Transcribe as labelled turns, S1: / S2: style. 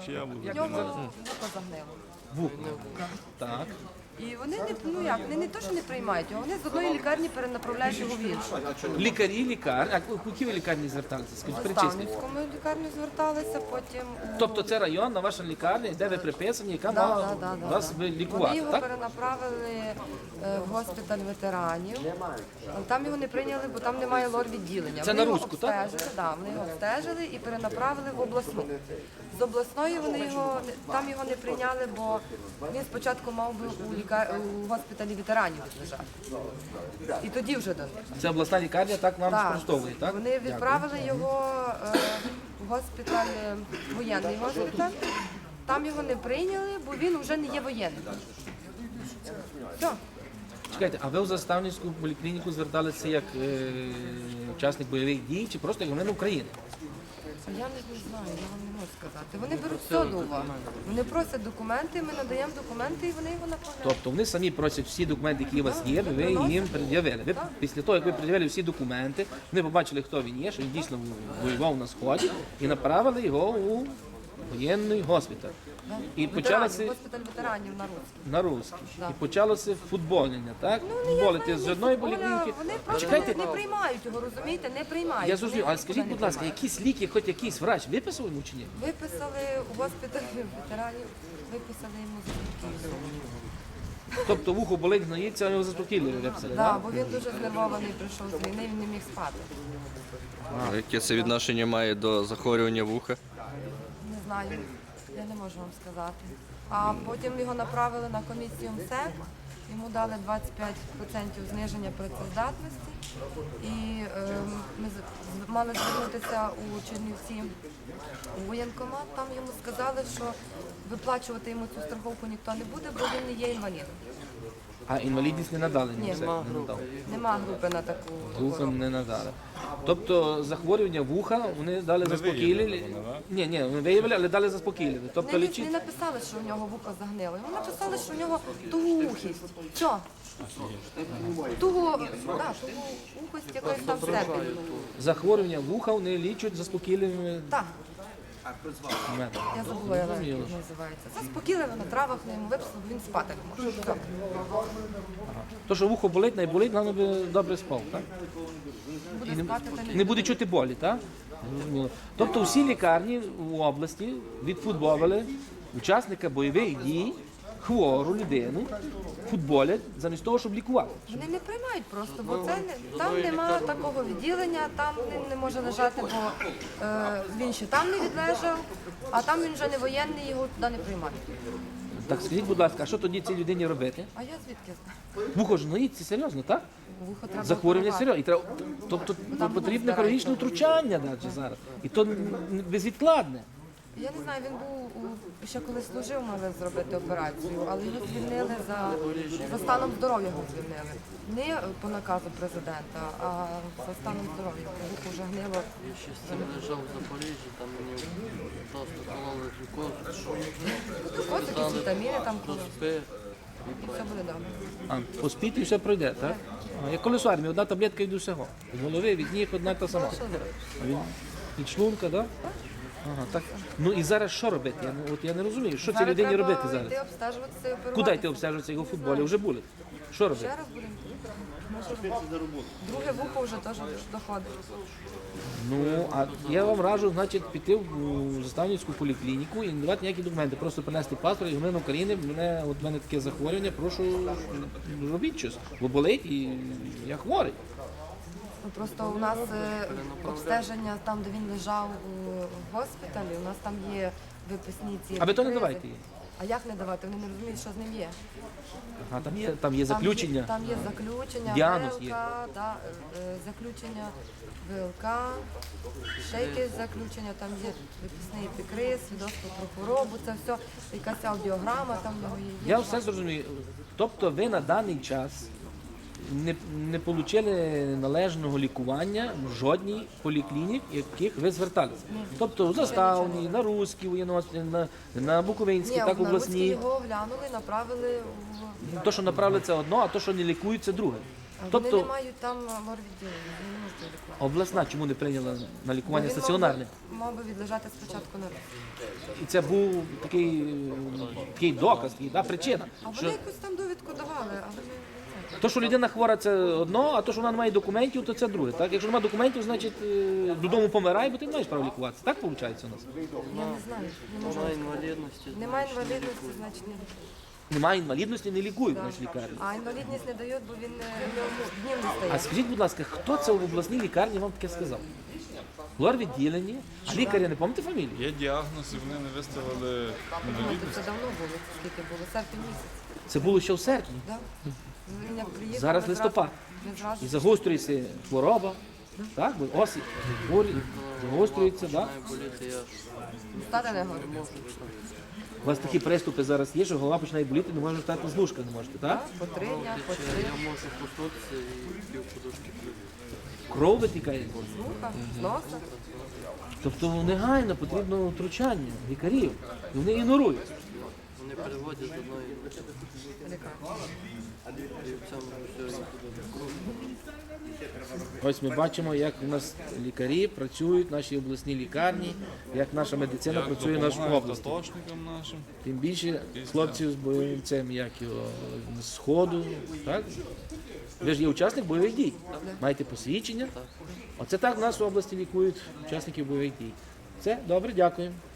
S1: Чия вуха?
S2: в нього вухо загнило.
S3: Вухо. Так.
S2: І вони не то, що не приймають його, вони з одної лікарні перенаправляють його в іншу.
S3: Лікарі. А в які ви лікарні зверталися? Скажіть,
S2: В
S3: перечисліть.
S2: Ставницькому лікарню зверталися, потім
S3: Тобто це районна ваша лікарня, де ви приписані, яка мала вас
S2: Вони
S3: лікувати,
S2: його
S3: так?
S2: перенаправили в госпіталь ветеранів. Там його не прийняли, бо там немає лор-відділення.
S3: Це
S2: Вони
S3: на
S2: його
S3: Руську, так?
S2: обстежили, да, вони його обстежили і перенаправили в обласну. З обласної там його не прийняли, бо він спочатку мав би у госпіталі ветеранів лежати. І тоді вже до них.
S3: Це обласна лікарня так вам
S2: Так.
S3: спростовує, так?
S2: Вони відправили його в госпіталь, воєнний госпіталь. Там його не прийняли, бо він вже не є воєнним. Все.
S3: Чекайте, а ви в Заставницьку поліклініку зверталися як учасник бойових дій чи просто як громадянин України?
S2: Я не знаю, я вам не можу сказати. Вони беруть все до уваги. Вони просять документи, ми надаємо документи і вони його направляють.
S3: Тобто вони самі просять всі документи, які у вас є, ви їм пред'явили. Ви після того, як ви пред'явили всі документи, вони побачили, хто він є, що він дійсно воював на Сході, і направили його у воєнний госпіталь. І почалося
S2: Госпіталь ветеранів на Руській.
S3: на Руській. І почалося футболення, так? Футболити з одної поліклініки.
S2: Вони просто
S3: Чекайте,
S2: не приймають його, розумієте? Не приймають.
S3: я зрозумів,
S2: Вони
S3: але скажіть, будь ласка, якісь ліки, хоч якийсь врач виписав йому чи ні?
S2: Виписали у госпіталі ветеранів, виписали йому заспокійливо.
S3: Тобто вухо болить, гноїться, а його заспокійливо виписали,
S2: Так,
S3: так?
S2: бо він дуже знервований прийшов з війни, він не міг спати.
S1: А яке це відношення має до захворювання вуха?
S2: Не знаю, я не можу вам сказати. А потім його направили на комісію МСЕК, йому дали 25% зниження працездатності. І ми мали звернутися у Чернівці у воєнкомат. Там йому сказали, що виплачувати йому цю страховку ніхто не буде, бо він не є інвалідом.
S3: А інвалідність не надали?
S2: Ні,
S3: все, не надали.
S2: Нема групи на таку.
S3: Групи не надали. Тобто захворювання вуха вони дали заспокійливі. Ні, вони виявили, але дали заспокійливі. Тобто
S2: Не
S3: лічить.
S2: написали, що в нього вухо загнило. Йому написали, що в нього тугоухість. Що? Тугоухость якоїсь там степені.
S3: Захворювання вуха вони лічать заспокійливими
S2: Так,
S3: методами.
S2: я забула, як називається. Заспокійливо на травах, йому виписали, бо він спати не може. Все.
S3: То, що вухо болить, найболить, головне би добре спав, так?
S2: Буде спати, та
S3: Не буде чути болі, так? Зрозуміло. Тобто всі лікарні в області відфутболили учасника бойових дій, хвору людину, футболять замість того, щоб лікувати.
S2: Вони не приймають просто, бо це там немає такого відділення, там він не може лежати, бо він ще там не відлежав, а там він вже не воєнний, його туди не приймають.
S3: Так скажіть, будь ласка, а що тоді цій людині робити?
S2: А я звідки знаю?
S3: Вухо ж гноїться, серйозно, так?
S2: Вухо треба
S3: Захворювання
S2: оперувати.
S3: серйозно. І треба, тобто потрібне хірургічне втручання навіть зараз. І то безвідкладне.
S2: Я не знаю, він був ще коли служив, мали зробити операцію, але його звільнили за станом здоров'я його звільнили. Не по наказу президента, а за станом здоров'я. Вухо вже гнило.
S4: Я ще з цим лежав в Запоріжжі, там мені просто кололи глюкозу,
S2: Ось якісь вітаміни там коло.
S4: спи.
S2: І все буде добре.
S3: А поспіть і все пройде, так? А, як колись в армії, одна таблетка від усього. Від голови, від ніг, одна та сама.
S2: Що зробити?
S3: Від шлунка, так? Ага, так. Ну і зараз що робити? Я не розумію, що цій
S2: Зараз
S3: людині
S2: треба
S3: робити зараз?
S2: йти обстежуватися і оперуватися.
S3: Куди йти обстежуватися його в футболі? Вже були. Що робити?
S2: Ще раз будемо. Друге вухо вже теж доходить.
S3: Ну, а я вам раджу, значить, піти в Заставницьку поліклініку і не давати ніякі документи. Просто принести паспорт і громадянин України, в мене таке захворювання, прошу, робіть щось. Бо болить і я хворий.
S2: Ну, просто у нас обстеження там, де він лежав у госпіталі, у нас там є виписні ці.
S3: А ви то не
S2: епікризи.
S3: давайте їй.
S2: А як не давати? Вони не розуміють, що з ним є.
S3: Ага, там є заключення.
S2: Там є заключення,
S3: Діагноз
S2: ВЛК,
S3: є.
S2: да, заключення ВЛК, ще якесь заключення, там є виписний епікриз, свідоцтво про хворобу, це все, якась аудіограма там в нього є.
S3: Я все зрозумію. Тобто ви на даний час не отримали належного лікування в жодній поліклінік, яких ви зверталися. Тобто у Заставній, на Руській, на Буковинській,
S2: Ні,
S3: так
S2: на Руській
S3: обласній.
S2: його оглянули, направили в...
S3: То, що направили, це одно, а то, що не лікують, це друге.
S2: Вони
S3: Тобто
S2: не мають там лор-відділення, вони не можуть лікувати.
S3: обласна чому не прийняла на лікування стаціонарне?
S2: Мав би відлежати спочатку на руці.
S3: І це був такий доказ, така причина.
S2: А вони
S3: Що
S2: якусь там довідку давали, але ми не знаємо.
S3: то, що людина хвора, це одно, а то, що вона не має документів, то це друге. Так? Якщо немає документів, значить додому помирай, бо ти не маєш права лікуватися. Так виходить у нас?
S2: Я не знаю, не можу.
S4: Вона інвалідності.
S2: Немає інвалідності, значить не лікують.
S3: Немає інвалідності, не лікують в нашій лікарні.
S2: А інвалідність не дають, бо він в ньому днів не
S3: А
S2: стає.
S3: скажіть, будь ласка, хто це в обласній лікарні вам таке сказав? Лор-відділення, а лікаря не пам'ятаєте фамілію?
S5: Є діагноз, і вони не виставили
S2: Ну,
S5: інвалідність.
S2: це давно було, скільки було, серпень місяць.
S3: Це було ще в серпні.
S2: Да? Він як приїхав,
S3: Зараз
S2: ми зразу-
S3: листопад.
S2: ми зразу
S3: І загострюється хвороба, так? Бо осінь, хворі, загострюється, так?
S4: Має боліти, я
S2: стати не говорю.
S4: можу.
S3: У вас такі приступи зараз є, що голова починає боліти, не можете встати з ліжка, не можете, так?
S2: По 3 дня, по 3
S4: Я можу проснутися і пів подушки п'ю.
S3: Кров витікає.
S2: з вуха, з носа.
S3: Тобто негайно потрібно втручання лікарів. І вони ігнорують.
S4: Вони переводять з одної
S2: Лікарні.
S4: і в цьому все.
S3: Ось ми бачимо, як у нас лікарі працюють в нашій обласній лікарні, як наша медицина
S5: Як
S3: працює в нашій
S5: допомагають
S3: області.
S5: атошникам нашим.
S3: Тим більше хлопців з бойовцем, як його з Сходу, так? Ви ж є учасник бойових дій. Маєте посвідчення. Оце так в нас в області лікують учасників бойових дій. Все, добре, дякуємо.